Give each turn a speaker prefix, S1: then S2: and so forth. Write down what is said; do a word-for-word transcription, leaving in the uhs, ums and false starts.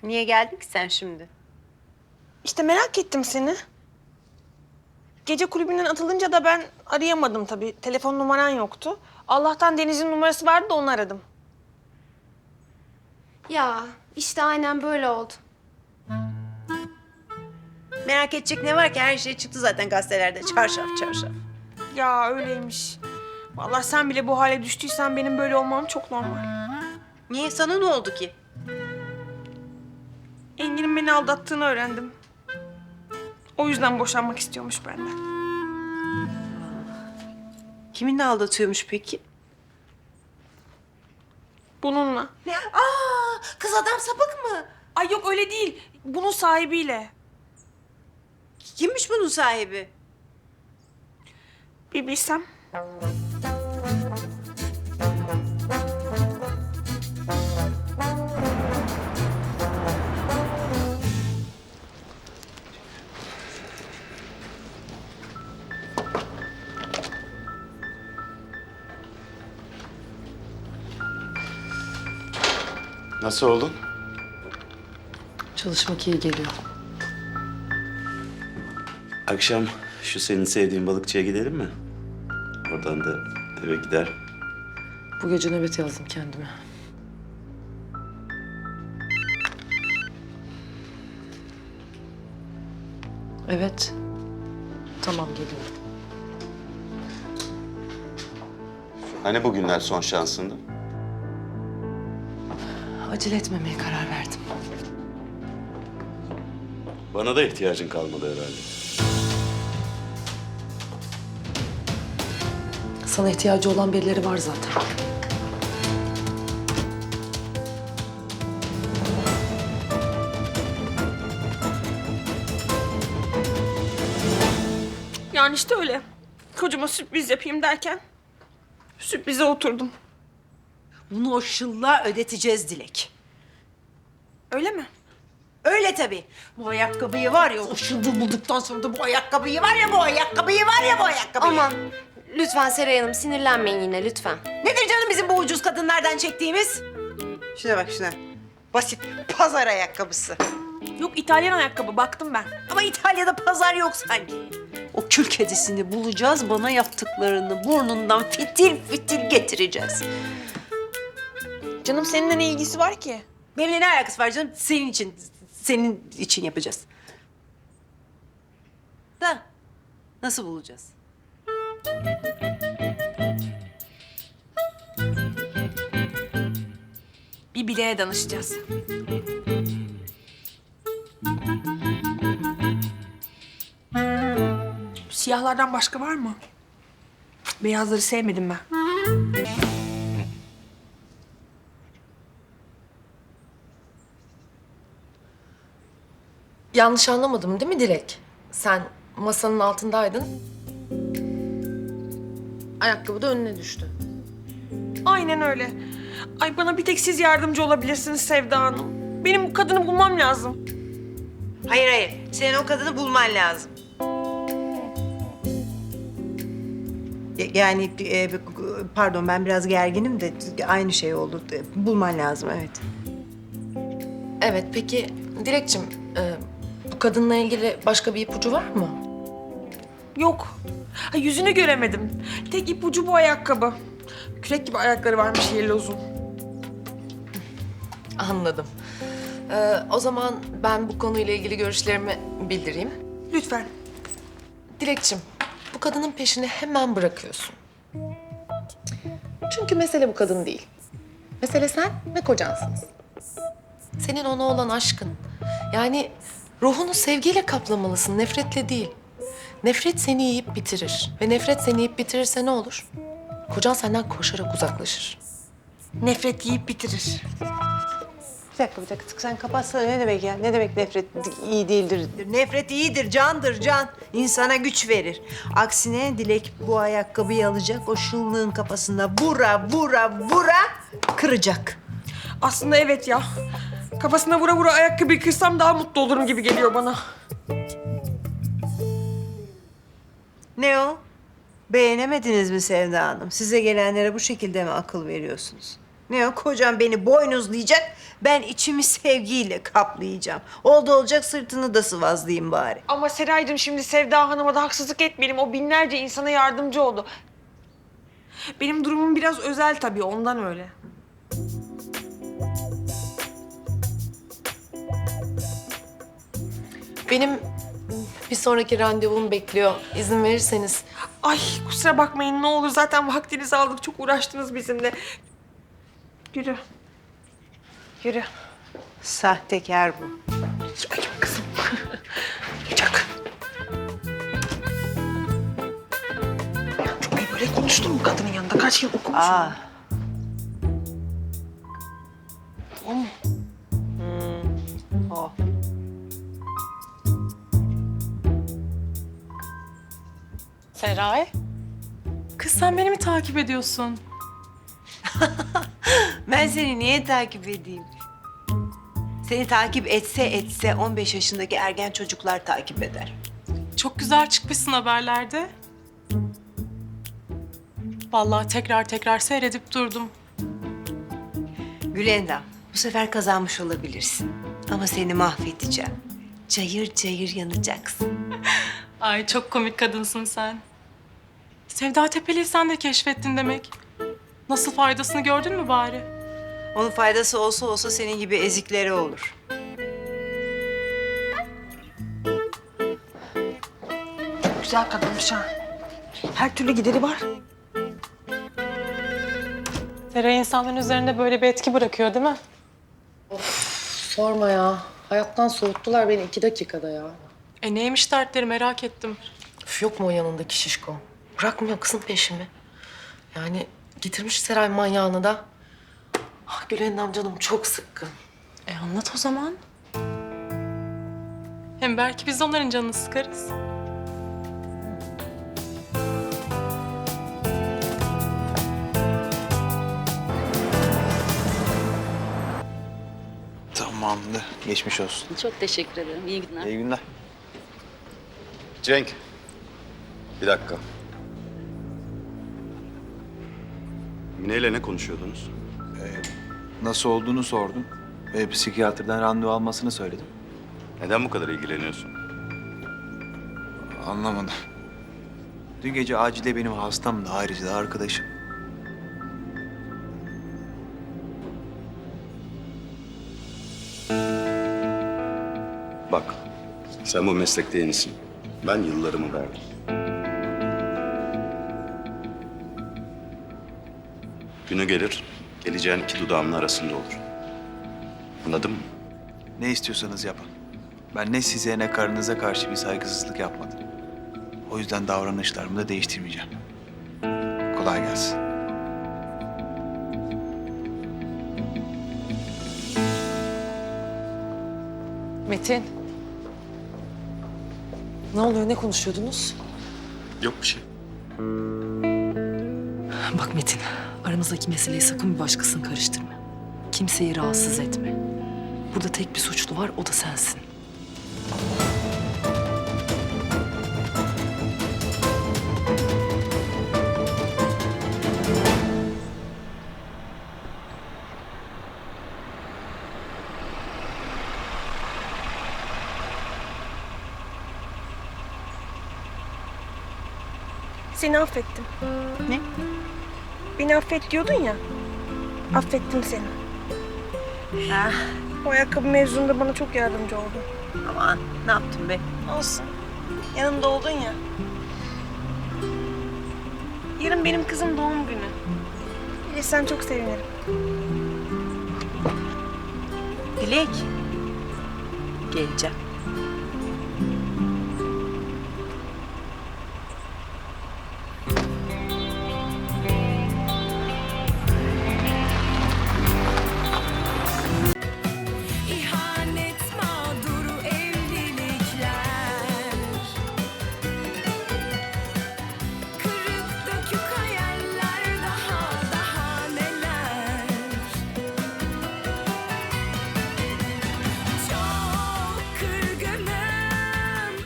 S1: Niye geldin ki sen şimdi?
S2: İşte merak ettim seni. Gece kulübünden atılınca da ben arayamadım tabii. Telefon numaran yoktu. Allah'tan Deniz'in numarası vardı da onu aradım.
S3: Ya işte aynen böyle oldu.
S1: Merak edecek ne var ki? Her şey çıktı zaten gazetelerde. Çarşaf çarşaf.
S2: Ya öyleymiş. Vallahi sen bile bu hale düştüysen benim böyle olmam çok normal.
S1: Niye? Sana ne oldu ki?
S2: Engin'in beni aldattığını öğrendim. O yüzden boşanmak istiyormuş benden.
S1: Kiminle aldatıyormuş peki?
S2: Bununla.
S1: Ne? Aa, kız adam sapık mı?
S2: Ay yok öyle değil. Bunun sahibiyle.
S1: Kimmiş bunun sahibi?
S2: Bir bilsem.
S4: Nasıl oldun?
S5: Çalışmak iyi geliyor.
S4: Akşam şu senin sevdiğin balıkçıya gidelim mi? Oradan da eve gider.
S5: Bu gece nöbet yazdım kendime. Evet. Tamam, geliyorum.
S4: Hani bugünler son şansındı?
S5: Acele etmemeye karar verdim.
S4: Bana da ihtiyacın kalmadı herhalde.
S5: Sana ihtiyacı olan birileri var zaten.
S2: Yani işte öyle. Kocama sürpriz yapayım derken sürprize oturdum.
S1: Bunu o şıllığa ödeteceğiz Dilek.
S2: Öyle mi?
S1: Öyle tabii. Bu ayakkabıyı var ya, o şıllığı bulduktan sonra da bu ayakkabıyı var ya, bu ayakkabıyı var ya, bu ayakkabıyı.
S3: Aman lütfen Seray Hanım sinirlenmeyin yine lütfen.
S1: Nedir canım bizim bu ucuz kadınlardan çektiğimiz? Şuna bak şuna. Basit pazar ayakkabısı.
S2: Yok İtalyan ayakkabı baktım ben.
S1: Ama İtalya'da pazar yok sanki. O kül kedisini bulacağız, bana yaptıklarını burnundan fitil fitil getireceğiz.
S2: Canım seninle ne ilgisi var ki?
S1: Benimle ne alakası var canım? Senin için, senin için yapacağız. Da nasıl bulacağız?
S2: Bir bileğe danışacağız. Siyahlardan başka var mı? Beyazları sevmedim ben.
S5: Yanlış anlamadım değil mi Dilek? Sen masanın altındaydın. Ayakkabı da önüne düştü.
S2: Aynen öyle. Ay bana bir tek siz yardımcı olabilirsiniz Sevda Hanım. Benim bu kadını bulmam lazım.
S1: Hayır hayır, senin o kadını bulman lazım. Ya- Yani e, pardon ben biraz gerginim de aynı şey oldu. Bulman lazım evet.
S5: Evet, peki Dilekçim, e, bu kadınla ilgili başka bir ipucu var mı?
S2: Yok. Ha, yüzünü göremedim. Tek ipucu bu ayakkabı. Kürek gibi ayakları varmış yerli uzun.
S5: Anladım. E, o zaman ben bu konuyla ilgili görüşlerimi bildireyim.
S2: Lütfen.
S5: Dilekçim, bu kadının peşini hemen bırakıyorsun. Çünkü mesele bu kadın değil. Mesele sen ve kocansınız. Senin ona olan aşkın. Yani ruhunu sevgiyle kaplamalısın, nefretle değil. Nefret seni yiyip bitirir. Ve nefret seni yiyip bitirirse ne olur? Kocan senden koşarak uzaklaşır.
S2: Nefret yiyip bitirir.
S1: Bir dakika bir dakika sen kapatsana ne demek ya? Ne demek nefret iyi değildir? Nefret iyidir, candır can. İnsana güç verir. Aksine Dilek bu ayakkabıyı alacak, o şıllığın kafasına vura vura vura kıracak.
S2: Aslında evet ya. Kafasına vura vura ayakkabıyı kırsam daha mutlu olurum gibi geliyor bana.
S1: Ne o? Beğenemediniz mi Sevda Hanım? Size gelenlere bu şekilde mi akıl veriyorsunuz? Ne o, kocam beni boynuzlayacak, ben içimi sevgiyle kaplayacağım. Oldu olacak sırtını da sıvazlayayım bari.
S2: Ama Seraycığım şimdi Sevda Hanım'a da haksızlık etmeyelim. O binlerce insana yardımcı oldu. Benim durumum biraz özel tabii, ondan öyle.
S5: Benim bir sonraki randevum bekliyor. İzin verirseniz.
S2: Ay kusura bakmayın ne olur, zaten vaktinizi aldık. Çok uğraştınız bizimle. Yürü. Yürü.
S1: Sahtekar bu.
S2: Ay kızım. Çak. Çok iyi böyle konuştun mu kadının yanında? Kaç yıl okumuşsun?
S1: Aa.
S2: O mu?
S1: O.
S6: Seray. Kız sen beni mi takip ediyorsun?
S1: Ben seni niye takip edeyim? Seni takip etse etse on beş yaşındaki ergen çocuklar takip eder.
S6: Çok güzel çıkmışsın haberlerde. Vallahi tekrar tekrar seyredip durdum.
S1: Gülendam, bu sefer kazanmış olabilirsin. Ama seni mahvedeceğim. Cayır cayır yanacaksın.
S6: Ay çok komik kadınsın sen. Sevda Tepeli'yi sen de keşfettin demek. Nasıl faydasını gördün mü bari?
S1: Onun faydası olsa olsa senin gibi eziklere olur.
S2: Güzel kadınmış ha. Her türlü gideri var.
S6: Seray insanların üzerinde böyle bir etki bırakıyor değil mi?
S5: Sorma ya. Hayattan soğuttular beni iki dakikada ya.
S6: E neymiş dertleri merak ettim.
S5: Üf, yok mu o yanındaki şişko? Bırakmıyor kızın peşimi. Yani getirmiş Seray manyağını da. Ah Gülendam canım çok sıkkın.
S6: E anlat o zaman. Hem belki biz de onların canını sıkarız.
S7: Tamamdır. Geçmiş olsun.
S8: Çok teşekkür ederim. İyi günler.
S7: İyi günler.
S9: Cenk, bir dakika. Mine ile ne konuşuyordunuz?
S7: Nasıl olduğunu sordum. Ve psikiyatrdan randevu almasını söyledim.
S9: Neden bu kadar ilgileniyorsun?
S7: Anlamadım. Dün gece acilde benim hastam da ayrıca da arkadaşım.
S9: Bak, sen bu meslekte yenisin. Ben yıllarımı verdim. Günü gelir, geleceğin iki dudağımın arasında olur. Anladın mı?
S7: Ne istiyorsanız yapın. Ben ne size ne karınıza karşı bir saygısızlık yapmadım. O yüzden davranışlarımı da değiştirmeyeceğim. Kolay gelsin.
S5: Metin. Ne oluyor? Ne konuşuyordunuz?
S9: Yok bir şey.
S10: Bak Metin, aramızdaki meseleyi sakın bir başkasını karıştırma. Kimseyi rahatsız etme. Burada tek bir suçlu var, o da sensin.
S2: Seni affettim.
S1: Ne?
S2: Beni affet diyordun ya. Affettim seni.
S1: Ah,
S2: O ayakkabı mevzunda bana çok yardımcı oldun.
S1: aman ne yaptım be?
S2: Olsun. Yanımda oldun ya. Yarın benim kızım doğum günü. Gelirsen çok sevinirim.
S1: Dilek. Geleceğim.